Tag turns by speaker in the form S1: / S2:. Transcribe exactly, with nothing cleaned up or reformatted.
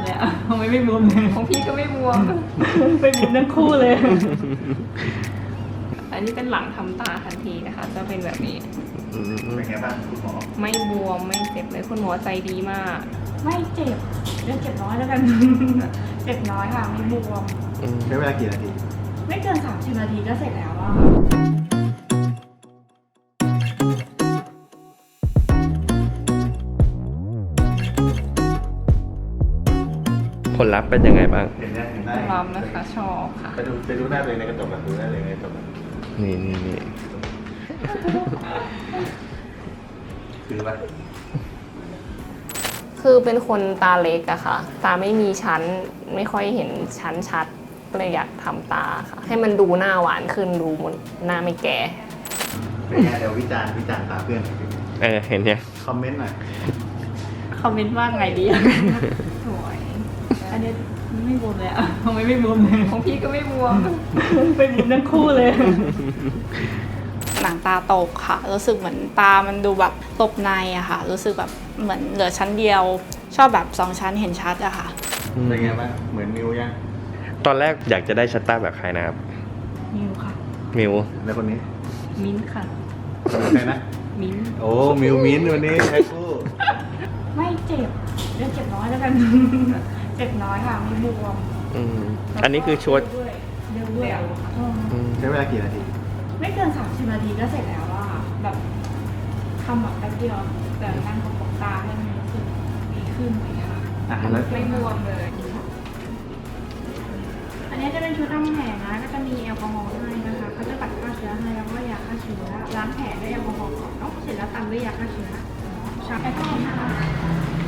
S1: เลยอ่ะทำไมไม่บวมเลย
S2: ของพี่ก็ไม่บวม
S1: ไปบวมทั้งคู่เลย
S2: อันนี้เป็นหลังทำตาทันทีนะคะจะเป็นแบบนี้
S3: เป็นไงบ้างคุณหมอ
S2: ไม่บวมไม่เจ็บเลยคุณหมอใจดีมาก
S1: ไม่เจ็บเรื่องเจ็บน้อยแล้วกัน เจ็บน้อยค่ะไม่บวม
S3: ใช้เวลากี่นาที
S1: ไม่เกินสามสิบนาทีก็เสร็จแล้วอ่ะ
S4: ผลลัพธ์เป็นยังไงบ้าง
S3: เห็นได้เห็นได้
S2: พร้อมนะคะชอบค่ะ
S3: ไปดูไปดูหน้าตัวเองในกระจกแบบดูหน้าตัวเองในกระจกแบบ
S4: นี่นี่นี่
S3: คือว่า
S2: คือเป็นคนตาเล็กอะค่ะตาไม่มีชั้นไม่ค่อยเห็นชั้นชัดก็เลยอยากทำตาค่ะให้มันดูหน้าหวานขึ้นดูมันหน้าไม่แก่
S3: เป็นไงเดี๋ยววิจารณ์วิจารณ์ตาเพื่อน
S4: เออเห็นยัง
S3: คอมเมนต์หน่อย
S1: คอมเมนต์ว่าไงดีสวยอันนี้ไม่บวมเลยอ่ะทำไมไม่บวมเลย
S2: ของพี่ก็ไม่บวม
S1: ไปบวมทั้งคู่เลย
S5: หนังตาตกค่ะรู้สึกเหมือนตามันดูแบบตบในอะค่ะรู้สึกแบบเหมือนเหลือชั้นเดียวชอบแบบสองชั้นเห็นชัดอะค่ะ
S3: เป็นไงบ้างเหมือนมิวยัง
S4: ตอนแรกอยากจะได้ชัตต้าแบบใครนะครับ
S1: มิวค่ะ
S4: มิว
S3: แล้วคนนี้
S1: มิ้นค่ะ
S3: ใครนะ
S1: มิ้น
S3: โอ้มิวมิ้นวันนี้แพ็คคู่
S1: ไม่เจ็บเรื่องเจ็บน้อยแล้วกัน เจ็บน้อยค่ะไม่บวม
S4: อันนี้คือชุด
S1: เร็วด้วย
S3: ใช้เวลากี่นาที
S1: ไม่เกินสามสิบนาทีก็เสร็จแล้วอ่ะแบบทำแบบแป๊บเดียวแต่นั่งประกบตาให้มันรู้สึกดีขึ้นเลยค่ะ
S2: ไม่บวมเลย
S1: อันนี้จะเป็นชุดทำแผลนะก็จะมีแอลกอฮอล์ให้นะคะเขาจะปัดฆ่าเชื้อให้แล้วก็ยาฆ่าเชื้อล้างแผลด้วยแอลกอฮอล์ก่อนเนาะเสร็จแล้วตามด้วยยาฆ่าเชื้อใช้แอลกอฮอล์นะคะ